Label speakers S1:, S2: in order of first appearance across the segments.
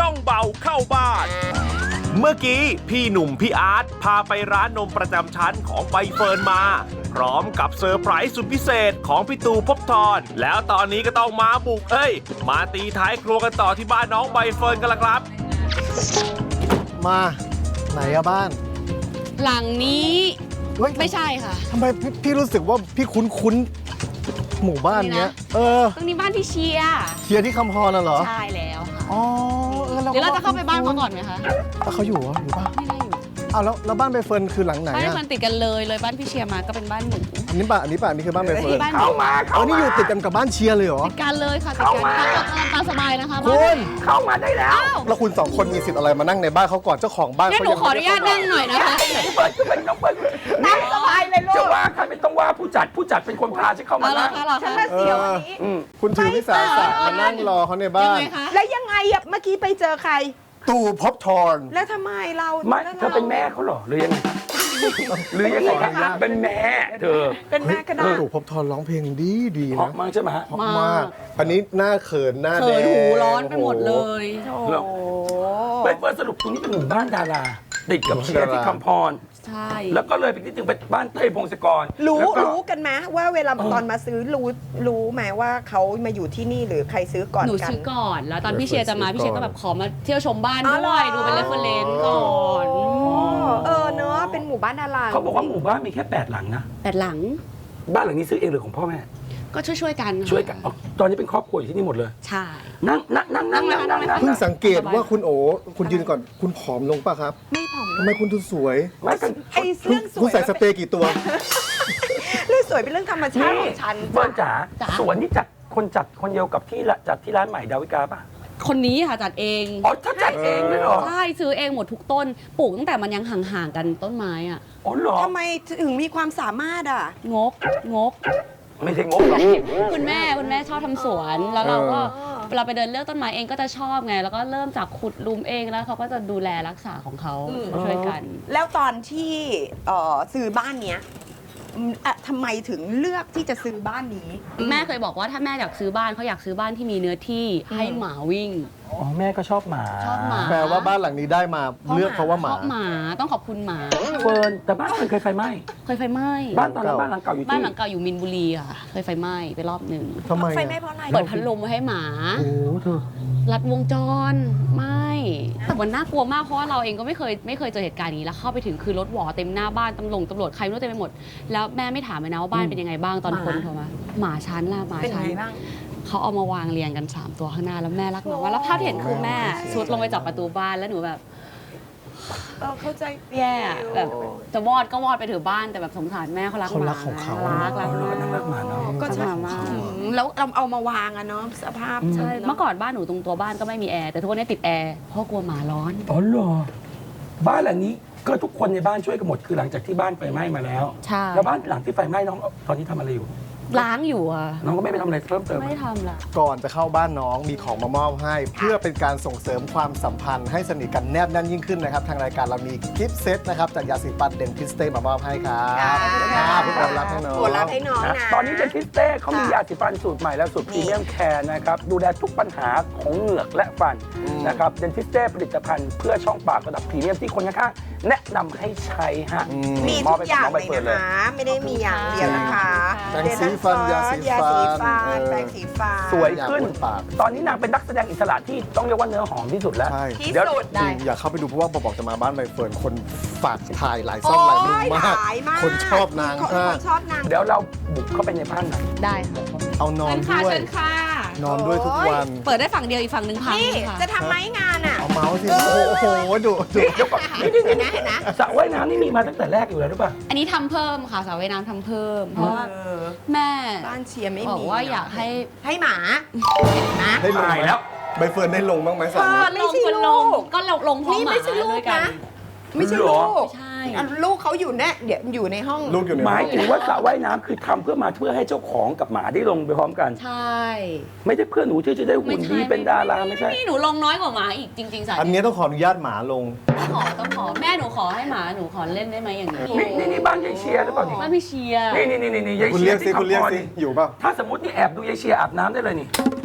S1: ย่องเบาเข้าบ้าน เมื่อกี้พี่หนุ่มพี่อาร์ตพาไปร้านนมประจำชั้นของใบเฟิร์นมาพร้อมกับเซอร์ไพรส์สุดพิเศษของพี่ตู่ภพบทรแล้วตอนนี้ก็ต้องมาบุกมาตีท้ายครัวกันต่อที่บ้านน้องใบเฟิร์นกันละครับ
S2: มาไหนอะบ้าน
S3: หลังนี้
S2: เฮ้ย
S3: ไม่ใช่ค่ะ
S2: ทำไมพี่รู้สึกว่าพี่คุ้นหมู่บ้านเนี้ย
S3: ตรงนี้บ้านพี่เชียร์
S2: เชียร์ที่คำพรน่ะเหรอ
S3: ใช่แล้วค่ะ
S2: อ๋อ
S3: เดี๋ยวเราจะเข้าไปบ้านเขาก่อนไหมคะ
S2: แล้วเขาอยู่เหรออยู่ป่ะ
S3: ไม่ได้อยู่
S2: อ้าวแล้วบ้านใบเฟิร์นคือหลังไหน
S3: บ้าน
S2: อะ
S3: มันติดกันเลยบ้านพี่เชียร์มาก็เป็นบ้านหนู
S2: อันนี้ป่ะอันนี้คือบ้านใบเฟิร์น
S3: บ้านหนู
S4: เข้ามา
S2: อ๋อนี่อยู่ติดกันกับบ้านเชียร์เลยเหรอ
S3: ติดกันเลยค่ะติดกันตามสบายนะคะ
S2: คุณ
S4: เข้ามาได้แล้ว
S3: อ้าว
S2: แล้วคุณสองคนมีสิทธิ์อะไรมานั่งในบ้านเขาก่อนเจ้าของบ้าน
S3: งั้นหนูขออนุญาตนั่งหน่อยนะคะ
S4: เปิดขึ้นไปน้องเปิดนั่งสบายเลยลูกจะว่าใครไม่ต้องว่าผู้จัดเป็นคนพาฉันเข้ามา
S3: เอาละ
S4: นั่ง
S3: ค่ะเหรอคะ
S2: เสียวคุณถือวิสาสะมานั่งรอเขาในบ้าน
S3: ยังไงคะ
S5: แล้วยังไงอะเมื่อกี้ไปเจอใคร
S2: ตู่ภพบทร
S5: แล้วทำไมเรา
S4: ไม่
S5: แล้ว
S4: เธอเป็นแม่เขาเหรอหรือยังไงหรือยังไงคะเป็นแม่เธอ
S5: เป็นแม่ก็ได้
S2: ตู่ภพบทรร้องเพลงดี
S4: เพราะ
S2: นะ
S4: มั้งใช่ไหมฮะ
S2: เพราะมากอันนี้หน้าเขินหน้าแด
S3: เขิน
S2: ง
S3: หูร้อนไปหมดเลย
S5: โอ้
S4: เหรอ ไปเปิดสรุปตรงนี้เป็นหมู่บ้านดาราติดกับเชียร์ที่คำพร
S3: ใช่
S4: แล้วก็เลยไปนิดนึงไปบ้านเต้ยพงศกร
S5: รู้
S4: แล้วก็
S5: รู้กันไหมว่าเวลาตอนมาซื้อรู้ไหมว่าเขามาอยู่ที่นี่หรือใครซื้อก่อน
S3: หนู
S5: กัน
S3: ซื้อก่อน แล้วตอนพี่เชียร์จะมาพี่เชียร์ก็แบบขอมาเที่ยวชมบ้าน
S5: อ๋อเหร
S3: ด้
S5: อ
S3: วยดูเป็นเรฟเฟอเรนซ์ก่อน
S5: เนอะเป็นหมู่บ้านดารา
S4: เขาบอกว่าหมู่บ้านมีแค่8หลังนะ
S3: แต่หลัง
S4: บ้านหลังนี้ซื้อเองหรือของพ่อแม่
S3: ก็ช่วยๆกันค่ะ
S4: ช่วยกันอ๋อตอนนี้เป็นครอบครัวอยู่ที่นี่หมดเลย
S3: ใช่
S4: นั่ง
S2: เพิ่งสังเกตว่าคุณโอคุณยืนก่อนคุณผอมลงป่ะครับ
S5: ไม่ผอม
S2: ทำไมคุณดูสวย
S4: ไม่กัน
S5: ไอ้เรื่องส
S2: คุ
S5: ว
S2: ณ
S5: ย
S2: ใส่สเปรย์กี่ตัว
S5: เรื่องสวยเป็นเรื่องธรรมชาติของฉัน
S4: เฟิร์นจ๋าสวนนี่จัดคนเดียวกับที่จัดที่ร้านใหม่ดาวิกาป่ะ
S3: คนนี้ค่ะจัดเอง
S4: อ๋อถ้าจัดเองเลยเหรอ
S3: ใช่ซื้อเองหมดทุกต้นปลูกตั้งแต่มันยังห่างๆกันต้นไม้อะ
S4: อ๋อเหรอ
S5: ทำไมถึงมีความสามารถอ่ะ
S3: งก
S4: ไม่ใช่งบหรอก
S3: คุณแม่ชอบทำสวนแล้วเราก็เราไปเดินเลือกต้นไม้เองก็จะชอบไงแล้วก็เริ่มจากขุดหลุมเองแล้วเขาก็จะดูแลรักษาของเขาช่วยกัน
S5: แล้วตอนที่ซื้อบ้านเนี้ยทำไมถึงเลือกที่จะซื้อบ้านนี้
S3: แม่เคยบอกว่าถ้าแม่อยากซื้อบ้านเขาอยากซื้อบ้านที่มีเนื้อที่ให้หมาวิ่ง
S4: อ๋อแม่ก็ชอบหมา
S3: ชอบหมา
S2: แปลว่าบ้านหลังนี้ได้มาเลือกเพราะว่าหมา
S3: ชอบหมาต้องขอบคุณหมา
S4: เฟิร์นแต่บ้านมันเคยไฟไหม้
S3: เคยไฟไหม้
S4: บ้านตอนนั้นบ้านหลังเก่าอยู่
S3: บ้าน
S4: ที่
S3: หลังเก่าอยู่มินบุรีค่ะเคยไฟไหม้ไปรอบหนึ่ง
S2: ทำไม
S5: ไฟ
S2: อะ
S5: ไหม้เพราะอะไร
S3: เปิดพัดลมไว้ให้หมา
S4: โอ้เธอ
S3: รัดวงจรไม่แต่มันน่ากลัวมากเพราะว่าเราเองก็ไม่เคยเจอเหตุการณ์นี้แล้วเข้าไปถึงคือรถหวอเต็มหน้าบ้านตำรวจใครไม่รู้เต็มไปหมดแล้วแม่ไม่ถามเลยนะว่าบ้านเป็นยังไงบ้างตอนคนโทรมาหมาชั้นล่ะหมา
S5: เป็น
S3: ชั้น
S5: ไงบ้าง
S3: เขาเอามาวางเรียงกัน 3 ตัวข้างหน้าแล้วแม่รักหมาว่าแล้วภาพที่เห็นคือแม่สุดลงไปจับประตูบ้านแล้วหนูแบบ
S5: เข้าใจ
S3: แย่แบบจะวอดก็วอดไปถือบ้านแต่แบบสงสารแม่เขารักห
S2: เขารั
S3: มาก
S2: ของเขา
S3: รัก
S4: เรารักหมาเนาะ
S5: ก็ใช่
S3: มาก
S5: แล้วเราเอามาวางอะเนาะสภาพ
S3: ใช่เมื่อก่อนบ้านหนูตรงตัวบ้านก็ไม่มีแอร์แต่ทุกวันนี้ติดแอร์เพราะกลัวหมาร้อน
S4: อ๋อเหรอบ้านหลังนี้ก็ทุกคนในบ้านช่วยกันหมดคือหลังจากที่บ้านไฟไหม้มาแล้ว
S3: ใช่
S4: แล้วบ้านหลังที่ไฟไหม้น้องตอนนี้ทำอะไรอยู่
S3: ล้างอยู่อ่ะ
S4: น้องก็ไม่ไปทำอะไรเพิ่มเติม
S3: ไม่ทำละ
S2: ก่อนจะเข้าบ้านน้องมีของมามอบให้ เพื่อเป็นการส่งเสริมความสัมพันธ์ให้สนิทกันแนบแน่นยิ่งขึ้นนะครับ ทางรายการเรามีกิฟต์เซตนะครับจากยาสีฟันเดนทิสเต้มามอบให้ครับพี่โอรับให้น้อง
S5: โปรดรับให้น้อง
S4: นะ
S5: นะ
S4: ตอนนี้เดนทิสเต้เขามียาสีฟันสูตรใหม่แล้วสูตรพรีเมียมแคร์นะครับดูแลทุกปัญหาของเหงือกและฟันนะครับเดนทิสเต้ผลิตภัณฑ์เพื่อช่องปากระดับพรีเมียมที่คนข้างๆแนะนำให้ใช้ฮะ
S5: มีทุกอย่างเลยนะคะ ไม่ได้มีอย่างเดียวนะคะ
S2: แปรงสีฟันยาสีฟัน
S5: แปรงสีฟัน
S4: สวยขึ้น
S2: อยากบนปาก
S4: ตอนนี้นางเป็นนักแสดงอิสระที่ต้องเรียกว่าเนื้อหอมที่สุดแล้ว
S2: ใช่
S5: ที่
S4: เดี๋ยว
S5: สุด
S2: จริงอยากเข้าไปดูเพราะว่าบอกจะมาบ้านใบเฟิร์นคนฝากถ่ายหลายซ่องหลายมุมมาก
S5: หลายมาก
S2: คนชอบนาง
S5: คน
S2: มาก
S5: ชอบนาง
S4: เดี๋ยวเราบุกเข้าไปในบ้านหน่อย
S3: ได้ค่ะ
S2: เอานอนด้วย
S3: เชิญค่ะ
S2: นอนด้วยทุกวัน
S3: เปิดได้ฝั่งเดียวอีกฝั่งหนึ่งพัง
S5: นี่
S3: ค่ะ
S5: จะทำไหมงานอ่ะ
S2: เอาเมาส์สิ โอ้โหดุ
S4: เดี๋ยวก่อนนี่
S5: เห็นนะเห็นนะ
S4: สระว่ายน้ำนี่มีมาตั้งแต่แรกอยู่แล้วหรือเปล่า
S3: อันนี้ทำเพิ่มค่ะสระว่ายน้ำทำเพิ่มเพราะว่า
S5: เออ
S3: แม่
S5: บ้านเชียร์ไม่
S3: บอ
S5: มี
S3: กว่าอยากให้
S5: ให้หมานะ
S2: ได้ลง
S4: ตาย
S2: ไหม
S4: แล้ว
S2: ใบเฟิร์นได้ลงบ้างไหมสามี
S5: ไม่ใช่ลูก
S3: ก็ลงพร้อม
S5: นี่
S3: หมา
S5: ไม่ใช่ลู
S3: ด้ว
S5: ก
S3: ยกั
S5: นะ
S3: น
S5: ไม่ใช่
S4: เหร
S5: ลู
S4: อ
S5: ก
S3: ใช่
S5: ลูกเขาอยู่เนี่ยเดี๋ยวอยู่ในห้อง
S2: ลูกอยู่ใน
S4: หมาย
S2: ห้อง
S4: ถึงว่าสระว่ายน้ำคือทำเพื่อให้เจ้าของกับหมาได้ลงไปพร้อมกัน
S3: ใช่
S4: ไม่ใช่เพื่อหนูที่จะได้หุ่นดีเป็นดาราไม่ใช่
S3: นี่หนูลงน้อยกว่าหมาอีกจริงๆสาย
S2: อันนี้ต้องขออนุญาตหมาลง
S3: ต้องขอแม่หนูขอให้หมาหนูขอเล่นได้ไหมอย่างนี้
S4: นี่บ้านยายเชียร์หรือเปล่านี่
S3: บ้านพี่เชียร์
S4: นี่ยาย
S2: คุณ
S4: เชี
S2: เรี
S4: ย
S2: ยก
S4: ร์
S2: สิ
S4: ที่
S2: คุณเรียก
S4: คำพร
S2: สิ
S4: นี่
S2: อยู่เปล่า
S4: ถ้าสมมตินี่แอบดูยายเชียร์อาบน้ำได้เลยนี่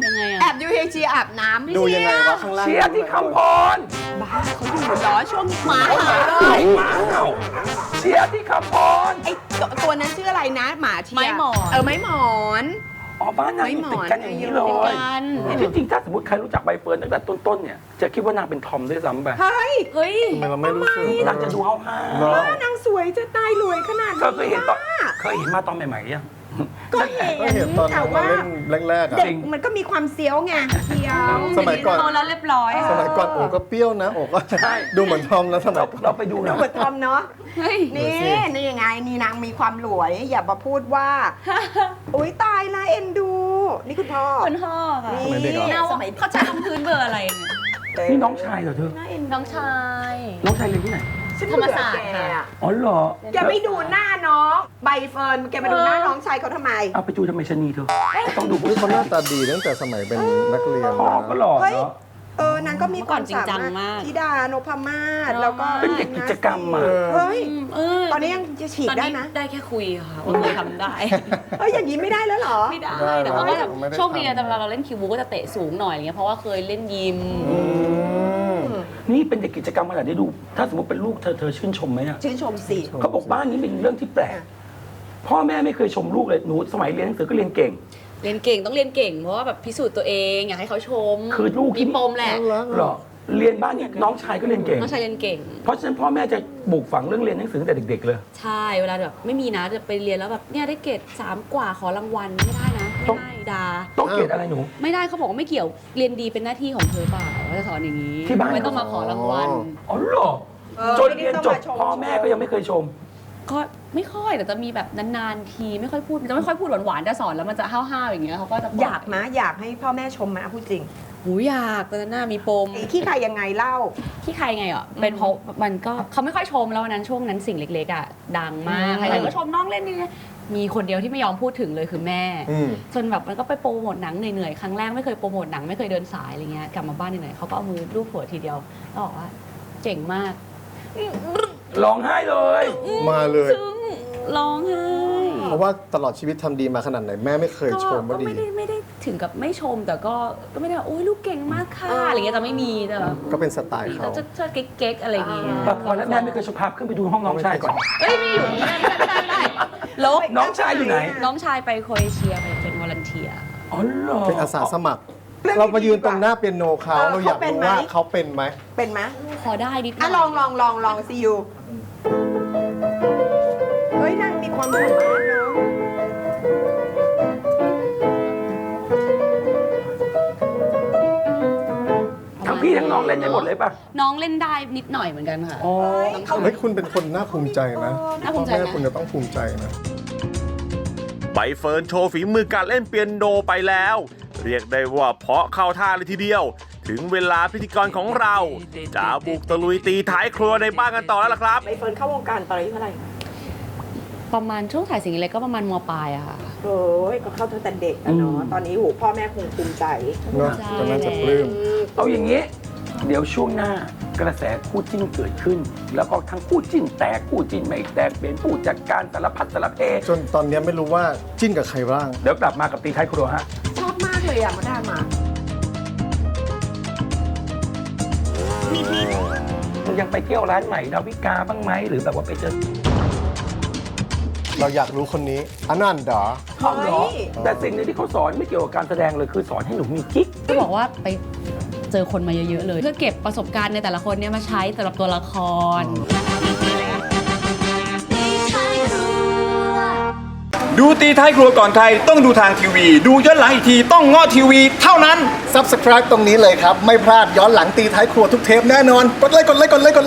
S3: ยังไงอะ
S5: แอบดูเฮงเชียร์อาบน้ำไม่
S2: ดู
S5: เชี
S2: ยังไง
S5: ยร์
S2: วะข้างล่าง
S4: เชียร์ที่คำพร
S5: บ้าเขาดูเหรอช่วงหมาเห่าเลย
S4: หมาเห่าเชียร์ที่คำพร
S5: ไอ้ตัวนั้นชื่ออะไรนะหมาเชียร์
S3: ไม้หมอน
S5: ไม้หมอน
S4: อ๋อบ้านนางอยู่ติดกันอย่างนี้เลย
S3: กัน
S4: ที่จริงถ้าสมมติใครรู้จักใบเฟิร์นตั้งแต่ต้นๆเนี่ยจะคิดว่านางเป็นทอมด้วยซ้ำไป
S5: เฮ้ย
S3: เฮ้ย
S2: ทำไมเราไม่รู้สึก
S4: นางจะดูห้าว
S2: เหรอ
S5: นางสวยจะตายรวยขนาด
S4: ๆ
S5: นี้
S4: ก็เคยเห็นตอน
S5: อะ
S4: เคยเห็นมาตอนใหม่ๆยัง
S5: ก็เห็น
S2: ก็เห็นตอน
S5: แต่
S2: เรา
S5: ว่า
S2: เล่นแรกๆอ่ะ
S5: เด็กมันก็มีความเซียวไงเซียว
S2: สมัยก่อน
S3: โตแล้วเรียบร้อย
S2: สมัยก่อนโอก็เปรี้ยวนะโอก็ดูเหมือนทอมนะสมัยก่อน
S4: เราไปดู
S5: ดู
S4: นะ
S5: เหมือนทอมเนาะ
S3: เฮ้ย
S5: นี่ยังไงนี่นางมีความรวย อย่ามาพูดว่า อุ้ยตายละเอ็นดู นี่คุณพ่อ
S3: คุณพ่อค่ะ
S2: สมัยเด็กเหรอ
S3: เน่า
S5: สมัย
S3: เขาจะลงพื้นเบอร์อะไรเนี่ย
S4: นี่น้องชายเหรอเธอ
S5: น่าเอ็นดู
S3: น้องชาย
S4: น้องชายเรียนที่ไหน
S5: ฉัน
S3: ธรรมศาสตร์
S5: เบื่อแก
S3: ค่ะ
S5: อะ
S4: อ๋อเหรอ
S5: แกไม่ดูหน้าน้องใบเฟิร์นแกมาดูหน้าน้องชายเขาทำไม
S4: เอาไปดูทำไมชะนีเธอต้องดูผู้
S2: นี่เขาห
S4: ชาย
S2: น้าตาดีตั้งแต่สมัยเป็นนักเรียน
S4: พ่อก็หล่อ
S5: เฮ้ย
S4: เนาะ
S5: นางก็มีความ
S3: จริง
S5: สา
S3: จัง
S5: มารถ
S3: มาก
S5: ธิดานพมาศแล้วก็
S4: เป็นเด็กกิจกรรมอะ
S5: เฮ้ย ต
S3: ต
S5: อนนี้ยังจะฉีก
S3: ตอน
S5: ได้
S3: นี้
S5: นะ
S3: ได้แค่คุยค่ะว่าเคยทำได้
S5: เฮ้ยอย่างนี้ไม่ได้แล้วเหรอ
S3: ไม่ได้แต่ว่าก็แบบโชคดีนะแต่เวลาเราเล่นคิวบูก็จะเตะสูงหน่อยอะไรเงี้ยเพราะว่าเคยเล่นยิม
S4: นี่เป็นเด็กกิจกรรมขนาดได้ดู ถ้าสมมติเป็นลูกเธอชื่นชมไหมอะ
S5: ชื่นชมสิ
S4: เขาบอกบ้านนี้เป็นเรื่องที่แปลก พ่อแม่ไม่เคยชมลูกเลยหนูสมัยเรียนหนังสือก็เรียนเก่ง
S3: เรียนเก่งต้องเรียนเก่งเพราะว่าแบบพิสูจน์ตัวเองอยากให้เขาชม
S4: คือลูกที่
S3: มีปมแหละ
S4: หรอเรียนบ้านนี้น้องชายก็เรียนเก่ง
S3: น้องชายเรียนเก่ง
S4: เพราะฉะนั้นพ่อแม่จะปลูกฝังเรื่องเรียนหนังสือตั้งแต่เด็กๆเลย
S3: ใช่เวลาแบบไม่มีนะจะไปเรียนแล้วแบบเนี่ยได้เกรด3 กว่าขอรางวัลไม่ได้นะไม่ได้ดา
S4: ต้องเกรดอะไรหนู
S3: ไม่ได้เขาบอกว่าไม่เกี่ยวเรียนดีเป็นหน้าที่ของเธอเปล่าว่าจะสอนอย่างนี้
S4: ที่บ้าน
S3: ไม่ต้องมาขอรางวัล
S4: อ๋อเหรอจนเรียนจบพ่อแม่ก็ยังไม่เคยชม
S3: ก็ไม่ค่อยแต่จะมีแบบนานๆทีไม่ค่อยพูดจะไม่ค่อยพูดหวานๆจะสอนแล้วมันจะห้าวๆอย่างเงี้ยเขาก็จะบ
S5: อยากนะอยากให้พ่อแม่ชมไหมพูดจริง
S3: หูอยากตอนนั้นน่ามีปม
S5: ไอ้ขี้ใครยังไงเล่า
S3: ที่ใครไงอ่ะเป็นเพราะมันก็เขาไม่ค่อยชมแล้ววันนั้นช่วงนั้นสิ่งเล็กๆอ่ะดังมากใครๆก็ชมน้องเล่นนี่มีคนเดียวที่ไม่ยอมพูดถึงเลยคือแม่ จนแบบมันก็ไปโปรโมทหนังเหนื่อยๆครั้งแรกไม่เคยโปรโมทหนังไม่เคยเดินสายอะไรเงี้ยกลับมาบ้านเหนื่อยๆเขาก็เอามือลูบหัวทีเดียวแล้วบอกว่าเจ๋งมาก
S4: ร้องไห้เลย
S2: มาเลย
S3: ซึ่งร้องไห้
S2: เพราะว่าตลอดชีวิตทำดีมาขนาดไหนแม่ไม่เคยชมว่า
S3: ก็
S2: ดี
S3: ไม่ได้ถึงกับไม่ชมแต่ก็ไม่ได้ว่าโอ้ยลูกเก่งมากค่ะอะไรเงี้ยจะไม่มีแต่แบบ
S2: ก็เป็นสไตล์เขา
S3: จะเชิดเก๊กๆอะไรเงี้ย
S4: แบบพอแล้วแม่ไม่เคยชมภาพขึ้นไปดูห้องน้องชายก่อน
S3: เอ้ยไม่อยู่นี่ไม่ได้ลบ
S4: น้องชายอยู่ไหน
S3: น้องชายไปโครเอเชียไปเป็นวอลันเทีย
S4: อ๋อเหรอ
S2: เป็นอาสาสมัคร เรามายืนตรงหน้าเปียโนเขาเราอยากรู้ว่าเขาเป็นไหม
S5: เป็นไหม
S3: พอได้นิดหน่
S5: อ่ะ
S3: อย
S5: ลองซียูเฮ้ยนางมีความสามารถเนาะ
S4: ทั้งพี่ทั้งน้องเล่นได้หมดเลยป่ะ
S3: น้องเล่นได้นิดหน่อยเหมือนกันค่ะ
S4: อ๋อ
S2: เฮ้ยคุณเป็นคนน่าภูมิใจนะ
S3: น่าภูมิใจ
S2: พ่อ
S3: นะ
S2: แม่คุณจะต้องภูมิใจนะ
S1: ใบเฟิร์นโชว์ฝีมือการเล่นเปียโนไปแล้ว เรียกได้ว่าเพาะเข้าท่าเลยทีเดียว ถึงเวลาพิธีกรของเราจะบุกตะลุยตีท้ายครัวในบ้านกันต่อแล้วล่ะครับ
S5: ใบเฟิร์นเข้าวงการตอนอายุเท่าไหร่
S3: ประมาณช่วงถ่ายสิ่งเล็กก็ประมาณมปลายอะค่ะ
S5: โอ้ยก็เข้าตั้งแต่เด็กอะเนาะตอนนี้โหพ่อแม่คงภูมิใจ
S2: เนาะตอนนั้นจะปลื้ม
S4: เอาอย่างนี้ เดี๋ยวช่วงหน้ากระแสคู่จิ้นเกิดขึ้น แล้วก็ทั้งคู่จิ้นแตกคู่จิ้นไม่แตกเป็นผู้จัดการสารพัดสารเพ
S2: จนตอนนี้ไม่รู้ว่าจิ้นกับใครบ้าง
S4: เดี๋ยวกลับมากับตีท้ายครัวฮะ
S5: ชอบมากเลยอะมาได้มา
S4: มึงยังไปเที่ยวร้านใหม่ดาวิกาบ้างไหมหรือแบบว่าไปเจอ
S2: เราอยากรู้คนนี้อันนั้นเหรอ
S4: เขาเหรอแต่สิ่งหนึงที่เขาสอนไม่เกี่ยวกับการแสดงเลยคือสอนให้หนูมีกิ๊ก
S3: ก็บอกว่าไปเจอคนมาเยอะๆเลย เพื่อเก็บประสบการณ์ในแต่ละคนเนี่ยมาใช้สำหรับตัวละคร
S6: ดูตีท้ายครัวก่อนใครต้องดูทางทีวี ดูย้อนหลังอีกทีต้องง้อทีวีเท่านั้น
S2: Subscribe ตรงนี้เลยครับ ไม่พลาดย้อนหลังตีท้ายครัวทุกเทปแน่นอน กดไลค์